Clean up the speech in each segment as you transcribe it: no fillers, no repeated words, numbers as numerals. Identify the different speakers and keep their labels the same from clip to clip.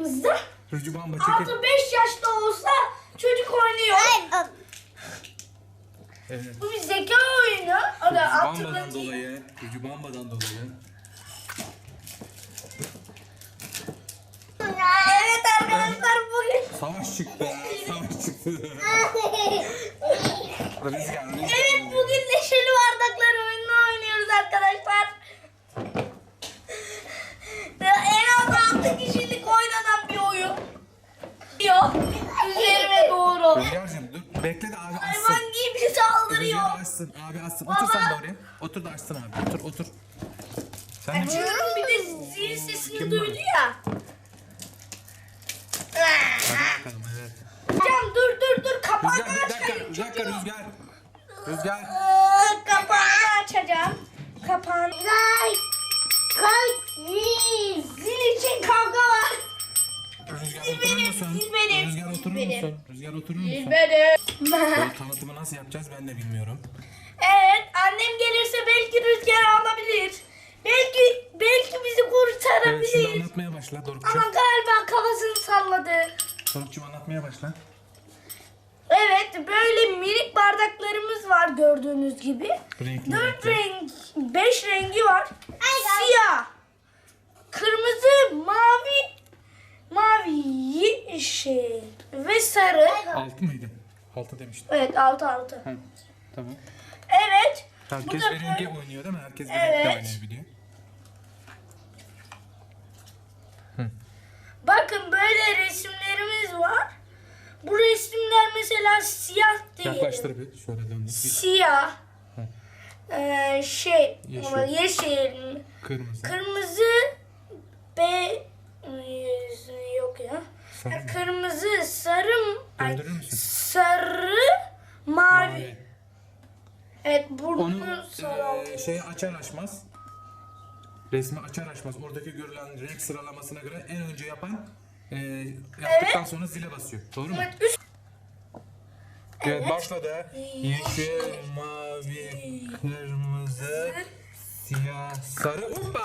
Speaker 1: bardağımızda
Speaker 2: Rücü bamba çekil.
Speaker 1: 6-5 yaşta olsa çocuk oynuyor.
Speaker 2: Evet.
Speaker 1: Bu bir zeka oyunu. O da
Speaker 2: Bamba'dan dolayı. Rücü bambadan dolayı.
Speaker 1: Evet arkadaşlar bugün.
Speaker 2: Savaş çıktı. Savaş çıktı. Rüzgar.
Speaker 1: Evet bugün neşeli bardaklar oyununu oynuyoruz arkadaşlar. En az 6 kişilik oynanan bir oyun. Yok. Üzerime doğru.
Speaker 2: Rüzgar'cığım dur. Bekle de abi açsın.
Speaker 1: Hayvan gibi saldırıyor.
Speaker 2: Rüzgar açsın. Abi açsın. Otur sen de oraya. Otur da açsın abi. Otur otur. Sen de
Speaker 1: Açıyorum bir de zil sesini
Speaker 2: Kim
Speaker 1: duydu
Speaker 2: var?
Speaker 1: ya.
Speaker 2: Hadi bakalım evet.
Speaker 1: Hocam dur kapağını
Speaker 2: Rüzgar bir dakika.
Speaker 1: açayım.
Speaker 2: Bir dakika Rüzgar. Rüzgar.
Speaker 1: Kapağını açacağım. Kapağını. Zil için kavga var.
Speaker 2: Rüzgar oturur musun?
Speaker 1: Siz benim.
Speaker 2: Rüzgar oturur
Speaker 1: Benim.
Speaker 2: musun? Rüzgar oturur musun?
Speaker 1: Benim.
Speaker 2: Bu tanıtımı nasıl yapacağız ben de bilmiyorum.
Speaker 1: Evet annem gelirse belki Rüzgar alabilir. Belki bizi
Speaker 2: Evet
Speaker 1: kurtarabilir.
Speaker 2: şimdi anlatmaya başla
Speaker 1: Ama
Speaker 2: Doruk'cum.
Speaker 1: galiba kafasını salladı.
Speaker 2: Doruk'cum anlatmaya başla.
Speaker 1: Evet böyle minik bardaklarımız var gördüğünüz gibi.
Speaker 2: Renkli
Speaker 1: 4
Speaker 2: renkli.
Speaker 1: renk, 5 rengi var. Siyah, kırmızı, mavi, yeşil ve sarı.
Speaker 2: 6 mıydı? 6 demiştim.
Speaker 1: Evet 6.
Speaker 2: Ha, tamam.
Speaker 1: Evet.
Speaker 2: Herkes
Speaker 1: Bu da
Speaker 2: bir rengi oynuyor değil mi? Herkes bir
Speaker 1: Evet.
Speaker 2: renkle oynayabiliyor.
Speaker 1: Bakın böyle resimlerimiz var. Bu resimler mesela siyah değil.
Speaker 2: Yaklaştır bir. Şöyle döndür.
Speaker 1: Siyah.
Speaker 2: Hı.
Speaker 1: Yeşil. Yeşil.
Speaker 2: Kırmızı.
Speaker 1: Kırmızı yok ya.
Speaker 2: Sarı mı?
Speaker 1: Kırmızı, sarı,
Speaker 2: Döndürür müsün?
Speaker 1: sarı, mavi. Evet,
Speaker 2: Onu
Speaker 1: burnunu sarı.
Speaker 2: şeyi açar açmaz. Resmi açar açmaz. Oradaki görülen renk sıralamasına göre en önce yapan yaptıktan sonra zile basıyor. Doğru mu?
Speaker 1: Evet, üst.
Speaker 2: Evet başladı. Yeşil, mavi, kırmızı, siyah, sarı. Hoppa!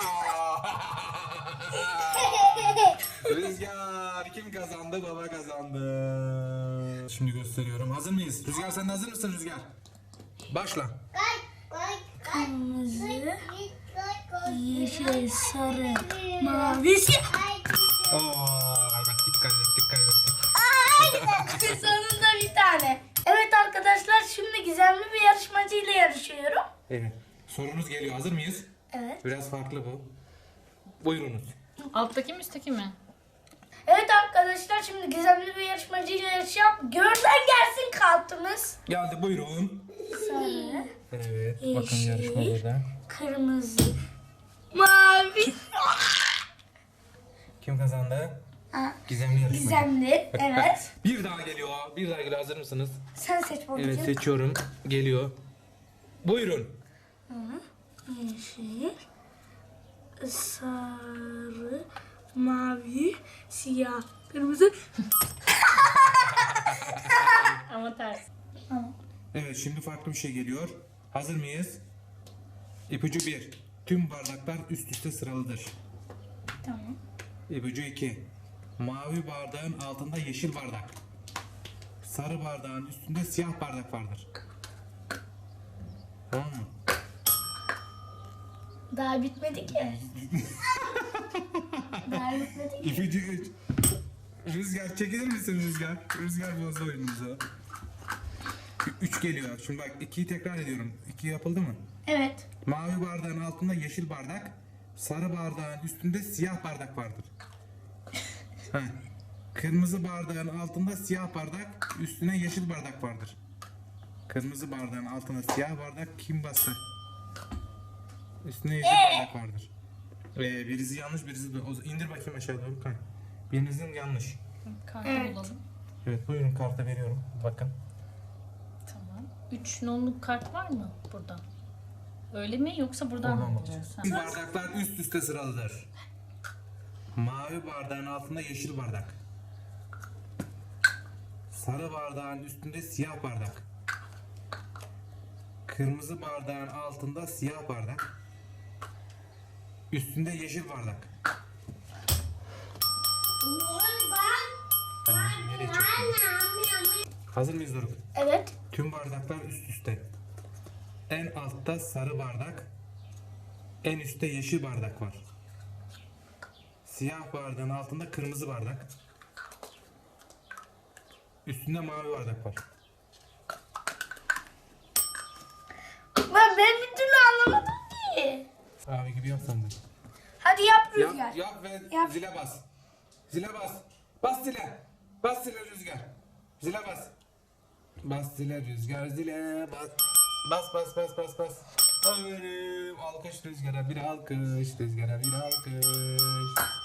Speaker 2: Rüzgar kim kazandı? Baba kazandı. Şimdi gösteriyorum. Hazır mıyız? Rüzgar sen de hazır mısın Rüzgar? Başla.
Speaker 1: Kırmızı, yeşil, sarı, mavi, siyah.
Speaker 2: Oo, kaybettik kaybettik.
Speaker 1: Sonunda bir tane. Evet arkadaşlar şimdi gizemli bir yarışmacıyla yarışıyorum.
Speaker 2: Evet. Sorunuz geliyor. Hazır mıyız?
Speaker 1: Evet.
Speaker 2: Biraz farklı bu. Buyurunuz.
Speaker 3: Alttaki mi üstteki mi?
Speaker 1: Evet arkadaşlar şimdi gizemli bir yarışmacıyla yarışacağım. Görden gelsin kartımız.
Speaker 2: Geldi buyurun.
Speaker 1: Sarı,
Speaker 2: Evet. Bakın
Speaker 1: Yeşil.
Speaker 2: yarışma burada.
Speaker 1: kırmızı, mavi.
Speaker 2: Kim kazandı?
Speaker 1: Ha,
Speaker 2: Gizemli yarışma.
Speaker 1: gizemli. Evet.
Speaker 2: Bir daha geliyor. Bir daha geliyor. Hazır mısınız?
Speaker 1: Sen seç babacığım.
Speaker 2: Evet seçiyorum. Geliyor. Buyurun.
Speaker 1: Yeşil, sarı, mavi, siyah, kırmızı.
Speaker 3: Ama ters.
Speaker 2: Evet şimdi farklı bir şey geliyor. Hazır mıyız? İpucu 1. Tüm bardaklar üst üste sıralıdır.
Speaker 1: Tamam.
Speaker 2: İpucu 2. Mavi bardağın altında yeşil bardak. Sarı bardağın üstünde siyah bardak vardır. Tamam mı?
Speaker 1: Daha bitmedi ki. Daha bitmedi ki.
Speaker 2: İpucu 3. Rüzgar çekilir misin Rüzgar? Rüzgar bozdu oyunumuzu. 3 geliyor. Şimdi bak 2'yi tekrar ediyorum. 2 yapıldı mı?
Speaker 1: Evet.
Speaker 2: Mavi bardağın altında yeşil bardak. Sarı bardağın üstünde siyah bardak vardır. Ha. Kırmızı bardağın altında siyah bardak, üstüne yeşil bardak vardır. Kırmızı bardağın altında siyah bardak kim bastı? Üstüne yeşil bardak vardır. Birisi yanlış, birisi doğru. İndir bakayım aşağı doğru kay. Birinizin yanlış.
Speaker 3: Kartı
Speaker 1: Evet.
Speaker 3: bulalım.
Speaker 2: Evet buyurun kartı veriyorum. Bakın.
Speaker 3: Tamam. 3 nonluk kart var mı burada? Öyle mi yoksa buradan
Speaker 2: Oradan
Speaker 3: mı
Speaker 2: bakacağız.
Speaker 3: bulacağız? Ha.
Speaker 2: Bardaklar üst üste sıralıdır. Mavi bardağın altında yeşil bardak. Sarı bardağın üstünde siyah bardak. Kırmızı bardağın altında siyah bardak. Üstünde yeşil bardak. Hazır mıyız Doruk?
Speaker 1: Evet.
Speaker 2: Tüm bardaklar üst üste. En altta sarı bardak, en üstte yeşil bardak var. Siyah bardağın altında kırmızı bardak. Üstünde mavi bardak var.
Speaker 1: Ben bir türlü anlamadım ki.
Speaker 2: Abi gibi yap sen de.
Speaker 1: Hadi yap Rüzgar.
Speaker 2: Yap ve
Speaker 1: Yap.
Speaker 2: zile bas. Zile bas. Bas zile. Bas zile Rüzgar. Zile bas. Bas zile Rüzgar zile bas. Bas. Aferin. Alkış Rüzgar'a bir alkış. Rüzgar'a bir alkış.